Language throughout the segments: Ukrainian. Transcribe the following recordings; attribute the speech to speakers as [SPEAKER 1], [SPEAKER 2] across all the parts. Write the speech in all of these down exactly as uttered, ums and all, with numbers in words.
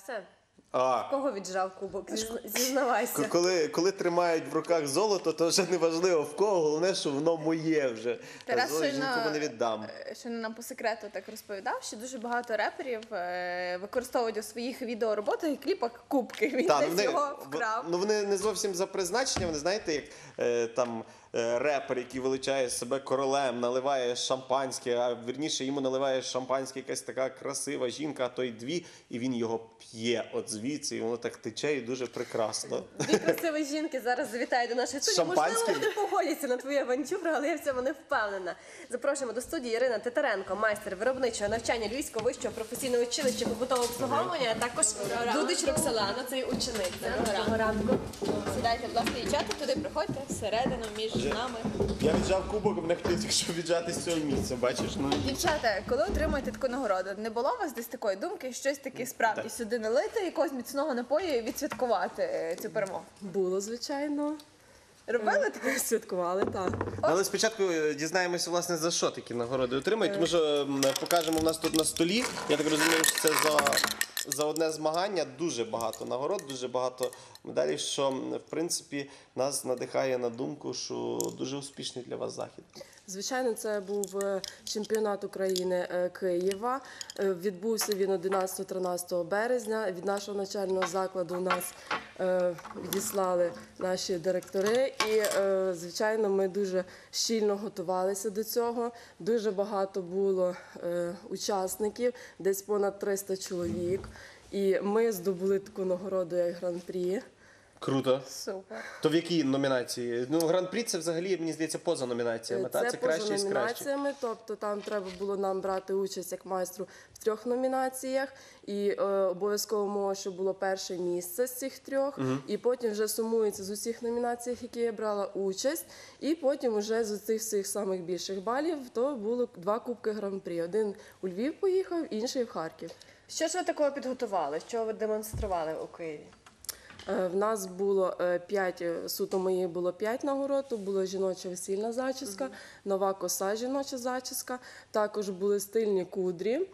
[SPEAKER 1] віджався?
[SPEAKER 2] А,
[SPEAKER 1] Кого віджав кубок? Зізна- Зізнавайся.
[SPEAKER 2] коли, коли тримають в руках золото, то вже не важливо в кого, головне, що воно моє вже. Та
[SPEAKER 3] Тарас
[SPEAKER 2] золото
[SPEAKER 3] щойно,
[SPEAKER 2] нікому не віддам.
[SPEAKER 3] е, щойно нам по секрету так розповідав, що дуже багато реперів е, використовують у своїх відеороботах і кліпах кубки. Він
[SPEAKER 2] Та, ну,
[SPEAKER 3] десь
[SPEAKER 2] вони,
[SPEAKER 3] його вкрав.
[SPEAKER 2] ну, вони не зовсім за призначенням, вони знаєте, як е, там е, репер, який величає себе королем, наливає шампанське, а вірніше йому наливає шампанське якась така красива жінка, а то й дві, і він його п'є от звідси, і воно так тече і дуже прекрасно.
[SPEAKER 1] Дві красиві жінки зараз завітають до нашої студії. Можливо,
[SPEAKER 2] Шампанським?
[SPEAKER 1] вони погодяться на твою авантюру, але я в цьому не впевнена. Запрошуємо до студії Ірина Титаренко, майстер виробничого навчання Львівського вищого професійного училища побутового обслуговування, а також Дудич Роксолана, це і учениця. Доброго ранку.
[SPEAKER 3] Сідайте, будь ласка, дівчата, туди приходьте, всередину, між нами.
[SPEAKER 2] Я віджав кубок, мене хотів якщо віджати з цього місця, бачиш? Ну,
[SPEAKER 3] Дівчата, коли отримуєте таку нагороду, не було у вас десь такої думки, щось таке справді
[SPEAKER 2] Так.
[SPEAKER 3] сюди налити, якогось міцного напою і відсвяткувати е, цю перемогу?
[SPEAKER 4] Було, звичайно.
[SPEAKER 3] Робили таке?
[SPEAKER 4] Святкували, так.
[SPEAKER 2] але спочатку е, дізнаємося, власне, за що такі нагороди отримають, тому що м, покажемо в нас тут на столі. Я так розумію, що це за, за одне змагання дуже багато нагород, дуже багато медалей, що, м, в принципі, нас надихає на думку, що дуже успішний для вас захід.
[SPEAKER 4] Звичайно, це був е, чемпіонат України е, Києва. Е, Відбувся він одинадцятого-тринадцятого березня. Від нашого навчального закладу нас е, відіслали наші директори. І, е, звичайно, ми дуже щільно готувалися до цього. Дуже багато було е, учасників, десь понад триста чоловік. І ми здобули таку нагороду, як гран-прі.
[SPEAKER 2] Круто.
[SPEAKER 3] Супер.
[SPEAKER 2] То в якій номінації? Ну, гран-прі це взагалі, мені здається, поза номінаціями,
[SPEAKER 4] Це,
[SPEAKER 2] так? Це краще
[SPEAKER 4] поза
[SPEAKER 2] із кращих.
[SPEAKER 4] номінаціями, тобто там треба було нам брати участь як майстру в трьох номінаціях, і е, обов'язково мова, щоб було перше місце з цих трьох, і потім вже сумується з усіх номінаціях, які я брала участь, і потім вже з цих всіх самих більших балів, то було два кубки гран-прі. Один у Львів поїхав, інший в Харків.
[SPEAKER 1] Що ж ви такого підготували? Що ви демонстрували у Києві?
[SPEAKER 4] Е, В нас було е, п'ять, е, суто моїх було п'ять нагород, то була жіноча весільна зачіска, нова коса жіноча зачіска, також були стильні кудрі,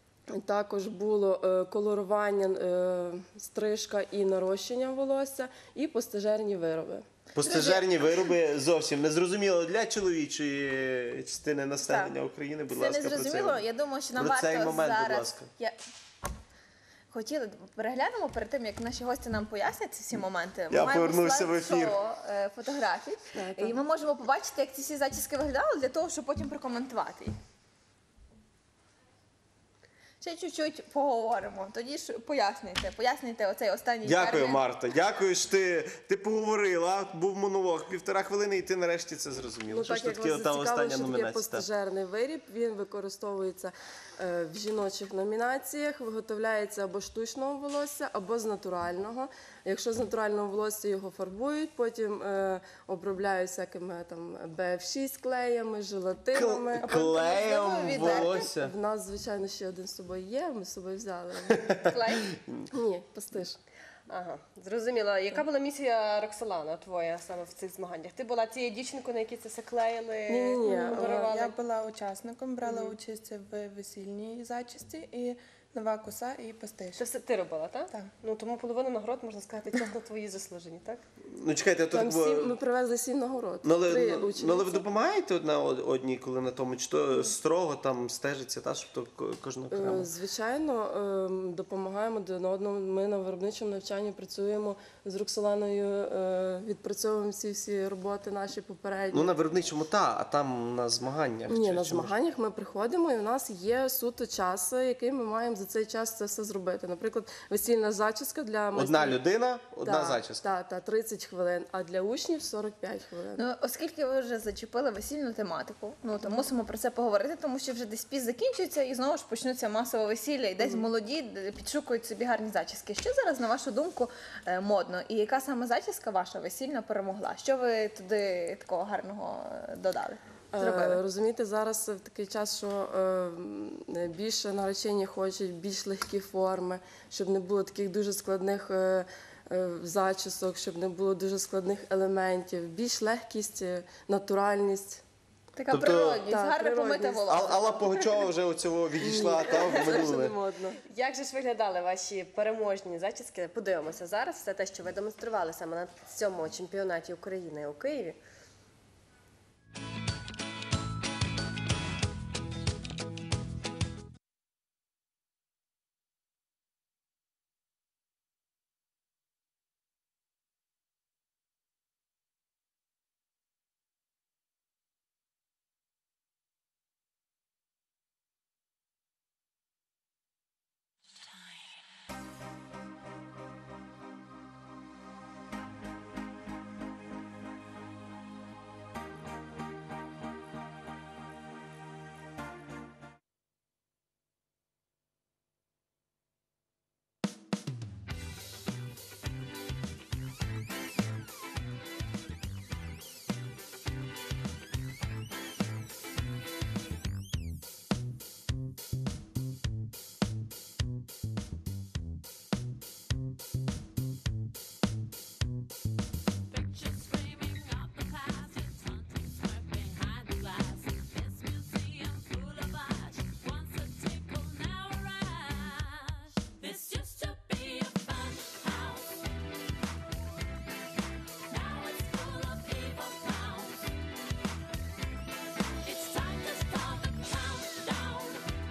[SPEAKER 4] також було е, колорування, е, стрижка і нарощення волосся, і постежерні вироби.
[SPEAKER 2] Постежерні вироби зовсім незрозуміло для чоловічої частини населення
[SPEAKER 3] Так.
[SPEAKER 2] України. Будь
[SPEAKER 3] Це
[SPEAKER 2] ласка,
[SPEAKER 3] не
[SPEAKER 2] про
[SPEAKER 3] зрозуміло. Я думаю, що нам
[SPEAKER 2] про цей
[SPEAKER 3] варто
[SPEAKER 2] момент, будь
[SPEAKER 3] зараз...
[SPEAKER 2] ласка.
[SPEAKER 3] Я... Хотіли, переглянемо перед тим, як наші гості нам пояснять ці всі моменти. Ми
[SPEAKER 2] Я
[SPEAKER 3] маємо
[SPEAKER 2] повернувся в ефір.
[SPEAKER 3] слайд-шоу, е, фотографій, і ми можемо побачити, як ці всі зачіски виглядали, для того, щоб потім прокоментувати їх. Ще чуть-чуть поговоримо. Тоді ж пояснюйте, пояснюйте оцей останній
[SPEAKER 2] Дякую,
[SPEAKER 3] термін.
[SPEAKER 2] Марта. Дякую, що ти, ти поговорила. Був монолог півтора хвилини, і ти нарешті це зрозуміла.
[SPEAKER 4] Ну,
[SPEAKER 2] що
[SPEAKER 4] так
[SPEAKER 2] ж
[SPEAKER 4] як
[SPEAKER 2] таке
[SPEAKER 4] вас
[SPEAKER 2] та
[SPEAKER 4] зацікавило,
[SPEAKER 2] остання
[SPEAKER 4] що таке
[SPEAKER 2] номінація?
[SPEAKER 4] постежерний виріб, він використовується е, в жіночих номінаціях, виготовляється або штучного волосся, або з натурального. Якщо з натурального волосся його фарбують, потім е, обробляють всякими там бе еф шість клеями, желатинами.
[SPEAKER 2] Кл- Клеєм
[SPEAKER 3] можливо, відверто?
[SPEAKER 2] волосся.
[SPEAKER 4] В нас, звичайно, ще один з собою є, ми з собою взяли.
[SPEAKER 3] Клей?
[SPEAKER 4] Ні, постиж.
[SPEAKER 1] Ага, зрозуміло. Яка була місія Роксолана твоя саме в цих змаганнях? Ти була цією дівчинкою, на якій це все клеїли,
[SPEAKER 4] Ні-ні-ні,
[SPEAKER 1] модерували?
[SPEAKER 5] Я була учасником, брала участь в весільній зачісті і нова коса і постиж.
[SPEAKER 1] Це все ти робила, так?
[SPEAKER 5] Так.
[SPEAKER 1] Ну, тому половину нагород, можна сказати, чесно, твої заслужені, так?
[SPEAKER 2] Ну, чекайте, а то
[SPEAKER 4] Там
[SPEAKER 2] так було-
[SPEAKER 4] сім, ми привезли сім нагород.
[SPEAKER 2] Ну, але,
[SPEAKER 4] Три
[SPEAKER 2] ну,
[SPEAKER 4] учениці.
[SPEAKER 2] ну, але ви допомагаєте одна од- одній, коли на тому, чи то строго там стежиться, та, щоб то ко- кожна окремо?
[SPEAKER 4] Е, Звичайно, ем, допомагаємо один одному. Ми на виробничому навчанні працюємо з Роксоланою, е, відпрацьовуємо всі всі роботи наші попередні.
[SPEAKER 2] Ну, на виробничому та, а там на змаганнях.
[SPEAKER 4] Ні,
[SPEAKER 2] чи-
[SPEAKER 4] на
[SPEAKER 2] чи може-
[SPEAKER 4] змаганнях ми приходимо, і у нас є суто час, який ми маємо за цей час це все зробити. Наприклад, весільна зачіска для
[SPEAKER 2] Одна
[SPEAKER 4] майстрів.
[SPEAKER 2] людина, одна
[SPEAKER 4] Так,
[SPEAKER 2] зачіска.
[SPEAKER 4] Так, так, тридцять хвилин, а для учнів сорок п'ять хвилин.
[SPEAKER 3] Ну, оскільки ви вже зачепили весільну тематику, ну то мусимо про це поговорити, тому що вже десь піс закінчується і знову ж почнуться масове весілля, і десь молоді д- підшукують собі гарні зачіски. Що зараз, на вашу думку, е, модно? І яка саме зачіска ваша весільна перемогла? Що ви туди такого гарного е, додали?
[SPEAKER 4] Е,
[SPEAKER 3] Зробили?
[SPEAKER 4] Розумієте, зараз в такий час, що е, м, більше наречені хочуть більш легкі форми, щоб не було таких дуже складних е, е, зачісок, щоб не було дуже складних елементів, більш легкість, е, натуральність.
[SPEAKER 3] Така
[SPEAKER 2] Тобто-
[SPEAKER 3] природність,
[SPEAKER 4] Так,
[SPEAKER 3] гарне помите
[SPEAKER 4] природність.
[SPEAKER 3] волосся.
[SPEAKER 2] Ал- Алла Пугачова вже у цього відійшла та в
[SPEAKER 4] Це вже не
[SPEAKER 2] минуле.
[SPEAKER 4] модно.
[SPEAKER 1] Як же ж виглядали ваші переможні зачіски? Подивимося зараз. Все те, що ви демонстрували саме на цьому чемпіонаті України у Києві.
[SPEAKER 6] Pictures framing up the past, it's hunting, smirk behind the glass. This museum full of ash, once a tinkle, now a rash. This used to be a fun house, now it's full of evil clowns. It's time to start the countdown.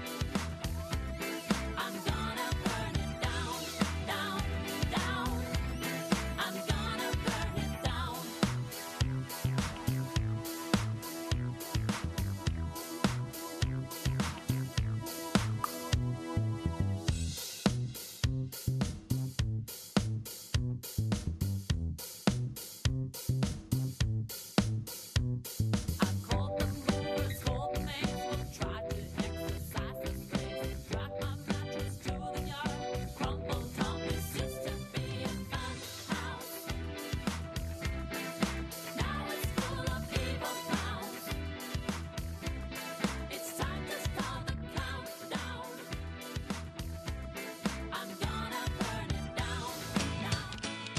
[SPEAKER 6] I'm gonna burn it down, down, down. I'm gonna burn it down. I've called the movers, called the maids, tried to exercise the space. Dragged my mattress to the yard, crumbled up. This used to be a fun house, now it's full of evil clowns. It's time to start the countdown. I'm gonna burn it down, down.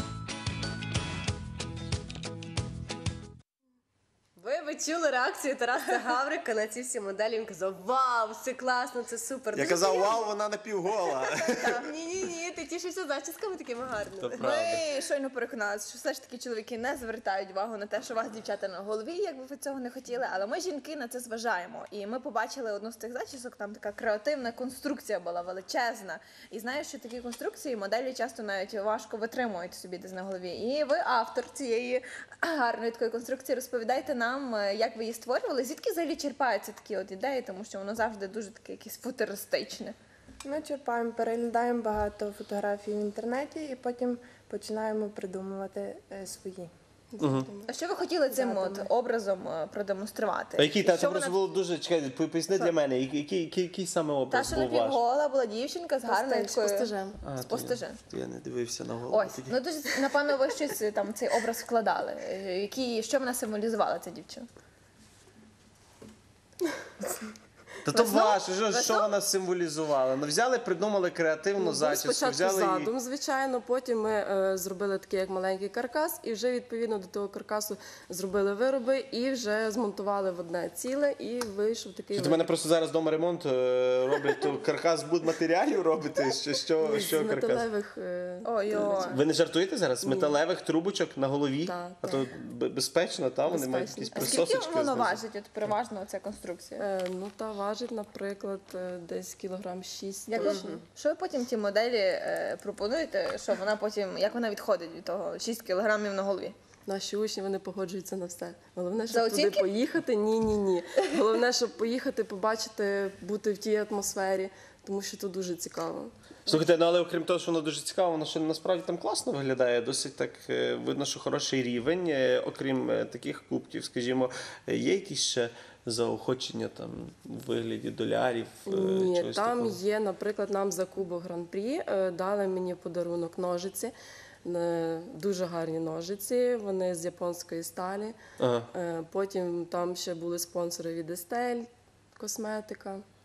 [SPEAKER 1] Ви, ви чули реакцію Тараса Гаврика на ці всі моделі? Він казав: вау, це класно, це супер.
[SPEAKER 2] Я
[SPEAKER 1] Дуже
[SPEAKER 2] казав,
[SPEAKER 1] приємно.
[SPEAKER 2] вау, вона напівгола.
[SPEAKER 1] Ні-ні-ні, ти тішишся зачісками такими гарними.
[SPEAKER 2] То правда.
[SPEAKER 3] Ми щойно переконалися, що все ж таки чоловіки не звертають увагу на те, що у вас дівчата на голові, як би ви цього не хотіли, але ми, жінки, на це зважаємо. І ми побачили одну з тих зачісок, там така креативна конструкція була величезна. І знаєш, що такі конструкції моделі часто навіть важко витримують собі десь на голові. І ви автор цієї гарної такої конструкції. Розповідайте нам, е, як ви її створювали, звідки взагалі черпаються такі от ідеї, тому що воно завжди дуже таке якесь футуристичне.
[SPEAKER 5] Ми черпаємо, переглядаємо багато фотографій в інтернеті і потім починаємо придумувати е, свої.
[SPEAKER 3] А що ви хотіли цим от образом е, продемонструвати?
[SPEAKER 2] А який та
[SPEAKER 3] Що
[SPEAKER 2] це
[SPEAKER 3] вона-
[SPEAKER 2] просто було дуже чекайте, по- поясни для мене, який, який, який, який саме
[SPEAKER 3] Та,
[SPEAKER 2] образ
[SPEAKER 3] що
[SPEAKER 2] був ваш?
[SPEAKER 3] напівгола була дівчинка з гарною
[SPEAKER 4] З
[SPEAKER 3] такою...
[SPEAKER 4] постижем.
[SPEAKER 2] А,
[SPEAKER 3] з
[SPEAKER 2] то
[SPEAKER 3] постижем.
[SPEAKER 2] я- то Я не дивився на голову.
[SPEAKER 3] Ось,
[SPEAKER 2] тоді.
[SPEAKER 3] ну дуже, напевно, ви щось там в цей образ вкладали. Е, Які, що вона символізувала, ця дівчина?
[SPEAKER 2] Та то
[SPEAKER 3] Весну?
[SPEAKER 2] ваше, що, що
[SPEAKER 3] Весну?
[SPEAKER 2] вона символізувала? Ну взяли, придумали креативну
[SPEAKER 4] Був
[SPEAKER 2] зачіску,
[SPEAKER 4] спочатку
[SPEAKER 2] взяли її.
[SPEAKER 4] задум, звичайно, потім ми е, зробили такий як маленький каркас, і вже відповідно до того каркасу зробили вироби і вже змонтували в одне ціле, і вийшов такий
[SPEAKER 2] Що, до мене просто зараз вдома ремонт е, роблять, то каркас будматеріалів робите? Що, що,
[SPEAKER 4] виріб.
[SPEAKER 2] що
[SPEAKER 4] з
[SPEAKER 2] каркас?
[SPEAKER 4] металевих. е,
[SPEAKER 3] Ой-ой.
[SPEAKER 2] Ви не жартуєте зараз? З
[SPEAKER 4] Ні.
[SPEAKER 2] металевих трубочок на голові?
[SPEAKER 4] Так,
[SPEAKER 2] а
[SPEAKER 4] так.
[SPEAKER 2] то б- безпечно, там вони мають
[SPEAKER 4] Безпечно.
[SPEAKER 2] якісь
[SPEAKER 3] А скільки
[SPEAKER 2] присосочки.
[SPEAKER 3] воно
[SPEAKER 2] знизу.
[SPEAKER 3] важить, от переважно ця конструкція?
[SPEAKER 4] Е, ну та важить, наприклад, е, десь кілограм шість.
[SPEAKER 3] Як ви,
[SPEAKER 4] точно.
[SPEAKER 3] що ви потім ті моделі е, пропонуєте, що вона потім, як вона відходить від того шість кілограмів на голові?
[SPEAKER 4] Наші учні вони погоджуються на все. Головне,
[SPEAKER 3] За
[SPEAKER 4] щоб туди
[SPEAKER 3] оцінки?
[SPEAKER 4] поїхати. Ні, ні, ні. Головне, щоб поїхати, побачити, бути в тій атмосфері, тому що тут дуже цікаво.
[SPEAKER 2] Слухайте, ну але окрім того, що воно дуже цікаво, воно ще насправді там класно виглядає. Досить так е, видно, що хороший рівень. Е, Окрім е, таких кубків, скажімо, е, є якісь ще заохочення там у вигляді долярів? е,
[SPEAKER 4] Ні,
[SPEAKER 2] чогось
[SPEAKER 4] там
[SPEAKER 2] такого?
[SPEAKER 4] є, наприклад, нам за Кубок Гран-прі е, дали мені в подарунок ножиці. Е, Дуже гарні ножиці, вони з японської сталі.
[SPEAKER 2] Ага.
[SPEAKER 4] Е, Потім там ще були спонсори від Estelle, косметика.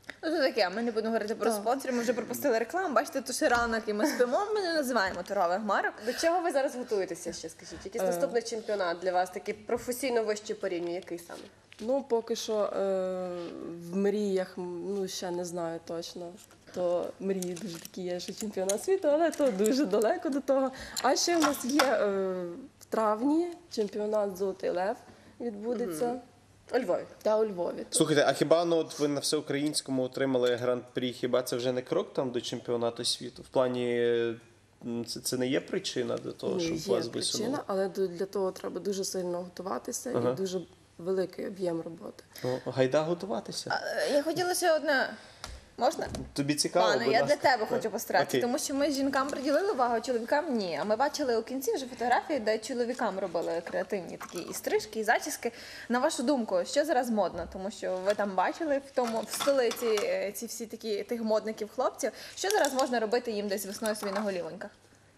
[SPEAKER 3] Ну, це таке, ми не будемо говорити про спонсорів, ми вже пропустили рекламу. Бачите, то ще ранок і ми спимо, ми не називаємо торгових марок.
[SPEAKER 1] До чого ви зараз готуєтеся ще, скажіть? Якийсь наступний чемпіонат для вас, такий професійно вищий по рівню, який саме?
[SPEAKER 4] Ну, поки що е, в мріях, ну, ще не знаю точно. То мрії дуже такі є, що чемпіонат світу, але то дуже далеко до того. А ще в нас є е, в травні чемпіонат «Золотий лев» відбудеться.
[SPEAKER 1] У Львові.
[SPEAKER 4] Та у Львові.
[SPEAKER 2] Слухайте, а хіба ну от ви на всеукраїнському отримали гран-прі? Хіба це вже не крок там до чемпіонату світу? В плані м, це, це не є причина до того,
[SPEAKER 4] Ну,
[SPEAKER 2] щоб
[SPEAKER 4] є
[SPEAKER 2] вас
[SPEAKER 4] причина,
[SPEAKER 2] висунули?
[SPEAKER 4] але до- для того треба дуже сильно готуватися
[SPEAKER 2] Ага.
[SPEAKER 4] і дуже великий об'єм роботи.
[SPEAKER 2] Ну, гайда готуватися.
[SPEAKER 3] Е, Я хотіла ще одне. Можна?
[SPEAKER 2] Тобі цікаво,
[SPEAKER 3] Пане,
[SPEAKER 2] будь
[SPEAKER 3] я для
[SPEAKER 2] ласка.
[SPEAKER 3] тебе хочу постаратися,
[SPEAKER 2] Окей.
[SPEAKER 3] тому що ми жінкам приділили увагу, а чоловікам ні. А ми бачили у кінці вже фотографії, де чоловікам робили креативні такі і стрижки, і зачіски. На вашу думку, що зараз модно? Тому що ви там бачили в тому в столиці е, ці всі такі тих модників хлопців. Що зараз можна робити їм десь весною собі на голівоньках?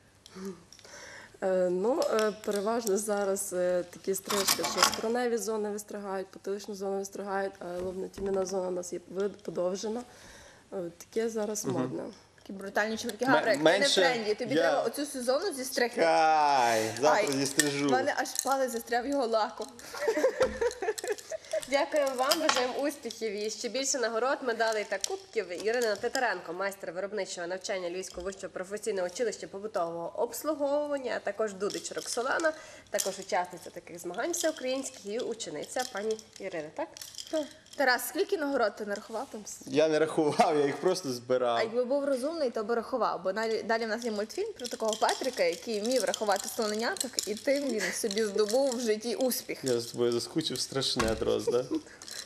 [SPEAKER 4] Е, Ну, е, переважно зараз е, такі стрижки, що скроневі зони вистригають, потиличну зону вистригають, а лобно-тім'яна зона у нас є вид- подовжена. Е, Таке зараз модне.
[SPEAKER 3] Такі брутальні чоловіки.
[SPEAKER 2] М-
[SPEAKER 3] Гаврик, ти
[SPEAKER 2] менше
[SPEAKER 3] не в тренді. Тобі
[SPEAKER 2] я-
[SPEAKER 3] треба оцю сезону зістригти.
[SPEAKER 2] Кай, завтра
[SPEAKER 3] Ай,
[SPEAKER 2] зістрижу.
[SPEAKER 3] в мене аж палець застряв його лаком.
[SPEAKER 1] Дякуємо вам, бажаємо успіхів і ще більше нагород, медалей та кубків. Ірина Титаренко, майстер виробничого навчання Львівського вищого професійного училища побутового обслуговування, а також Дудич Роксолана, також учасниця таких змагань всеукраїнських і учениця пані Ірини, так?
[SPEAKER 3] Тарас, скільки нагород ти нарахував?
[SPEAKER 2] Я не рахував, я їх просто
[SPEAKER 3] А
[SPEAKER 2] збирав.
[SPEAKER 3] якби був розумний, то би рахував. Бо далі, далі в нас є мультфільм про такого Патріка, який вмів рахувати слоненяток, і тим він собі здобув в житті успіх.
[SPEAKER 2] Я з тобою заскучив страшне, Дрозда.